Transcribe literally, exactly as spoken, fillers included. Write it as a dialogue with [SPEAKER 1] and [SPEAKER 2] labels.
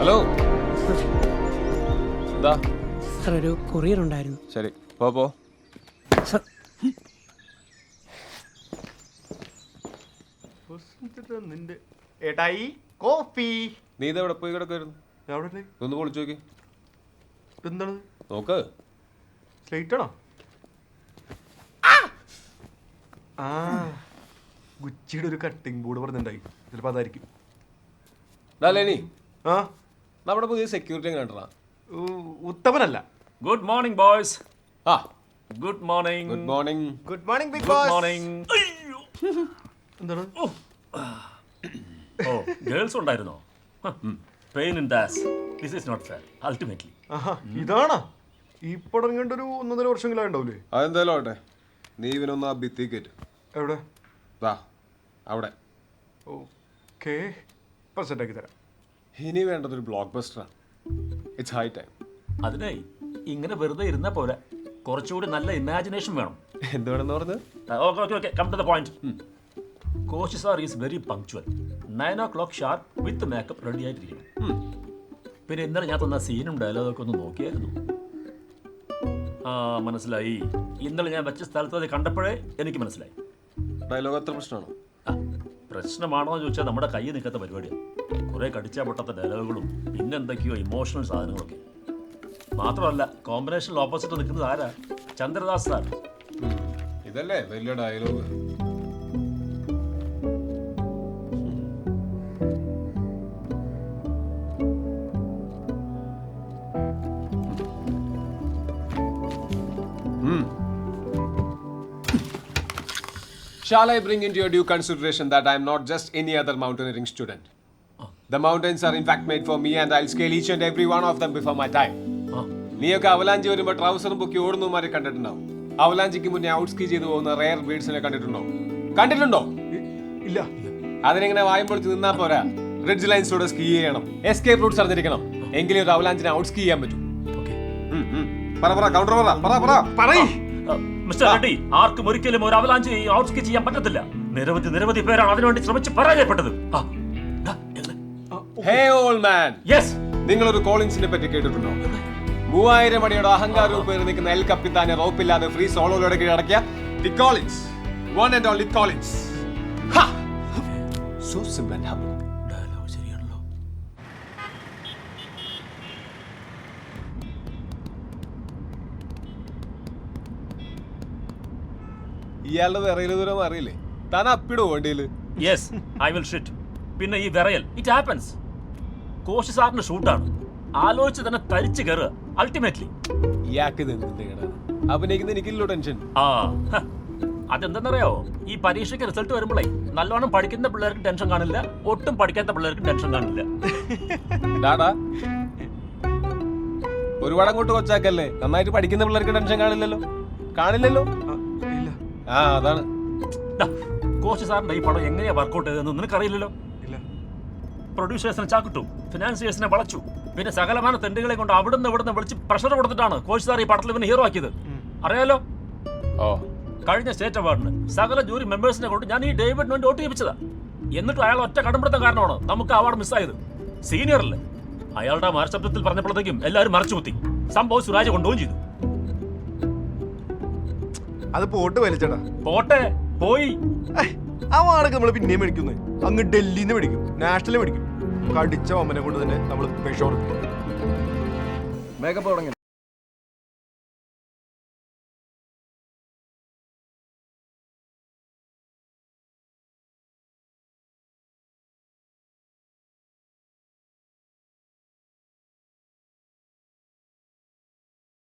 [SPEAKER 1] Hello. എന്താ
[SPEAKER 2] sir ഒരു courier ഉണ്ടായിരുന്നു.
[SPEAKER 1] ശരി പോ പോ.
[SPEAKER 2] സാർ
[SPEAKER 3] നിന്റെ ഏട്ടായി കോഫി.
[SPEAKER 1] നീ ഇത് എവിടെ പോയി കിടക്കായിരുന്നു?
[SPEAKER 3] എവിടെ
[SPEAKER 1] ഒന്ന് പൊളിച്ചു നോക്കി.
[SPEAKER 3] എന്താണ്
[SPEAKER 1] നോക്ക്.
[SPEAKER 3] സ്ലേറ്റ് ആണോ? ആ ഗുച്ചിയുടെ ഒരു കട്ടിംഗ് ബോർഡ് പറഞ്ഞിട്ടുണ്ടായി, ചിലപ്പോൾ അതായിരിക്കും.
[SPEAKER 1] ലേനി
[SPEAKER 3] ആ
[SPEAKER 1] നമ്മുടെ പുതിയ സെക്യൂരിറ്റി കണ്ടാ?
[SPEAKER 3] ഉത്തമനല്ല.
[SPEAKER 4] Good morning boys.
[SPEAKER 1] ആ
[SPEAKER 4] good morning.
[SPEAKER 1] Good morning.
[SPEAKER 3] Good morning big
[SPEAKER 4] good
[SPEAKER 3] boss.
[SPEAKER 4] Morning.
[SPEAKER 3] എന്താണ്?
[SPEAKER 4] ഓ ഗേൾസ് ഉണ്ടായിരുന്നോ? Pain in the ass. This is not fair ultimately.
[SPEAKER 3] ആഹാ ഇതാണോ ഈ പടം കണ്ടൊരു ഒന്നൊന്നര വർഷമെങ്കിലും ഉണ്ടാവില്ലേ?
[SPEAKER 1] അതെന്തായാലും ആവട്ടെ, നീ ഇവനൊന്ന് ആ ഭിത്തി കയറ്റ്.
[SPEAKER 3] എവിടെ?
[SPEAKER 1] വാ അവിടെ.
[SPEAKER 3] ഓക്കെ ഇപ്പം സെറ്റാക്കി തരാം.
[SPEAKER 1] ഇനി വേണ്ടതൊരു ബ്ലോക്ക് ബസ്റ്ററാണ്. It's high time.
[SPEAKER 4] അതിനെ ഇങ്ങനെ വെറുതെ ഇരുന്നാ പോലെ കുറച്ചുകൂടി നല്ല ഇമാജിനേഷൻ വേണം.
[SPEAKER 1] എന്തുവേണമെന്ന് പറഞ്ഞത്?
[SPEAKER 4] Okay okay okay come to the point. Coach sir is very punctual. Nine o'clock sharp with makeup ready ആയിട്ടിരിക്കണം. പിന്നെ ഇന്നലെ ഞാൻ തന്ന സീനും ഡയലോഗൊക്കെ ഒന്ന് നോക്കിയായിരുന്നു. ആ മനസ്സിലായി. ഇന്നലെ ഞാൻ വെച്ച സ്ഥലത്ത് അത് കണ്ടപ്പോഴേ എനിക്ക് മനസ്സിലായി.
[SPEAKER 1] ഡയലോഗ് അത്ര പ്രശ്നമാണോ?
[SPEAKER 4] ആ പ്രശ്നമാണോ എന്ന് ചോദിച്ചാൽ നമ്മുടെ കൈ നിൽക്കാത്ത പരിപാടിയാണ്. കുറേ കടിച്ചാൽ പൊട്ടാത്ത ഡയലോഗുകളും പിന്നെന്തൊക്കെയോ ഇമോഷണൽ സാധനങ്ങളൊക്കെ. മാത്രമല്ല കോമ്പിനേഷനിൽ ഓപ്പോസിറ്റ് നിൽക്കുന്നത് ആരാ? ചന്ദ്രദാസ് സാർ.
[SPEAKER 1] ഇതല്ലേ വലിയ dialogue. Shall I bring into your due consideration that I am not just any other mountaineering student? Oh. The mountains are in fact made for me and I'll scale each and every one of them before my time. നീയൊക്കെ avalanche വരുമ്പോൾ ട്രൗസറും പൊക്കി ഓടുന്നവന്മാരെ കണ്ടിട്ടുണ്ടാവും. അവലാഞ്ചിക്ക് മുന്നേ out ski ചെയ്തു പോകുന്ന rare ബീഡ്സിനെ കണ്ടിട്ടുണ്ടോ? കണ്ടിട്ടുണ്ടോ?
[SPEAKER 3] ഇല്ല.
[SPEAKER 1] അതിനെങ്ങനെ വായും പൊളിച്ച് നിന്നാ പോരാ. റിഡ്ജ് ലൈൻസിലൂടെ സ്കീ ചെയ്യണം, എസ്കേപ്പ് റൂട്ട്സ് അറിഞ്ഞിരിക്കണം. എങ്കിലും ഒരു അവലാഞ്ചിനെ ഔട്ട് സ്കീ ചെയ്യാൻ പറ്റും. പറ പറ കൗണ്ടർ പറ പറ പറ പറയ്.
[SPEAKER 4] മിസ്റ്റർ റെഡ്ഡി, ആർക്കും ഒരിക്കലും ഒരു അവലാഞ്ചി ഔട്ട് സ്കീ ചെയ്യാൻ പറ്റത്തില്ല. നിരവധി നിരവധി പേരാണ് അതിനുവേണ്ടി ശ്രമിച്ച് പരാജയപ്പെട്ടത്.
[SPEAKER 1] Hey old man.
[SPEAKER 4] യെസ്.
[SPEAKER 1] നിങ്ങളൊരു കോളിൻസിനെ പറ്റി കേട്ടിട്ടുണ്ടോ? മൂവായിരം അടിയുടെ അഹങ്കാരവും പേര് നിൽക്കുന്ന എൽ കപ്പിത്താനെ റോപ്പില്ലാതെ ഫ്രീ സോളോയിലൂടെ കീഴടക്കിയ the Collins, one and only Collins. So simple and humble.
[SPEAKER 4] Dialogue ശരിയാണല്ലോ.
[SPEAKER 1] ഇയാളുടെ വിറയില് ദൂരം അറിയില്ലേ? താൻ അപ്പിടോ വണ്ടിയില്?
[SPEAKER 4] Yes I will shit. പിന്നെ ഈ വിറയൽ ഇറ്റ് ഹാപ്പൻസ്. കോച്ച് സാറിന്റെ ഷൂട്ടാണ്. ആലോചിച്ച് തന്നെ തരിച്ചു കയറുക അൾട്ടിമേറ്റ്ലി.
[SPEAKER 1] ഇയാൾക്ക് അഭിനയിക്കുന്ന എനിക്കില്ലോ ടെൻഷൻ.
[SPEAKER 4] ആ അതെന്തെന്നറിയോ, ഈ പരീക്ഷയ്ക്ക് റിസൾട്ട് വരുമ്പോഴേ നല്ലോണം പഠിക്കുന്ന പിള്ളേർക്ക് ടെൻഷൻ കാണില്ല, ഒട്ടും പഠിക്കാത്ത പിള്ളേർക്ക് ടെൻഷൻ കാണില്ല.
[SPEAKER 1] ഡാടാ ഒരുപാട് അങ്ങോട്ട് കൊച്ചാക്കല്ലേ. നന്നായിട്ട് പഠിക്കുന്ന പിള്ളേർക്ക് ടെൻഷൻ കാണില്ലല്ലോ. കാണില്ലല്ലോ. ആ അതാണ്.
[SPEAKER 4] കോച്ച് സാറിന്റെ ഈ പടം എങ്ങനെയാ വർക്കൗട്ട് ചെയ്തതെന്ന് നിനക്കറിയില്ലല്ലോ. പ്രൊഡ്യൂസേഴ്സിനെ ചാക്കിട്ടു, ഫിനാൻസിയേഴ്സിനെ വളച്ചു, പിന്നെ സകലമാന തെണ്ടുകളെ കൊണ്ട് അവിടുന്ന് ഇവിടുന്ന് വിളിച്ച് പ്രഷർ കൊടുത്തിട്ടാണ് കോച്ച് സാർ ഈ പടത്തിൽ ഇവന് ഹീറോ ആക്കിയത്. അറിയാലോ.
[SPEAKER 1] ഓ
[SPEAKER 4] കഴിഞ്ഞ സ്റ്റേറ്റ് അവാർഡിന് സകല ജൂറി മെമ്പേഴ്സിനെ കൊണ്ട് ഞാൻ ഈ ഡേവിഡിന് വേണ്ടി വോട്ട് ചെയ്യിപ്പിച്ചതാ. എന്നിട്ട് അയാൾ ഒറ്റ കടമ്പിടുത്തം കാരണമാണ് നമുക്ക് അവാർഡ് മിസ്സായത്. സീനിയർ അല്ലേ. അയാളുടെ മരശബ്ദത്തിൽ പറഞ്ഞപ്പോഴത്തേക്കും എല്ലാവരും മറച്ചു കുത്തി. സംഭവം സുരാജ് കൊണ്ടുപോകും ചെയ്തു.
[SPEAKER 3] അത് പോട്ട് വലിച്ചടാ.
[SPEAKER 4] പോട്ടെ പോയി.
[SPEAKER 3] ആ വാടക നമ്മൾ പിന്നെയും മേടിക്കുന്നത്. അങ്ങ് ഡൽഹിന്ന് മേടിക്കും, നാഷണൽ മേടിക്കും. കടിച്ച അമ്മനെ കൊണ്ട് തന്നെ നമ്മൾ പെഷോർ.
[SPEAKER 5] മേക്കപ്പ് തുടങ്ങി.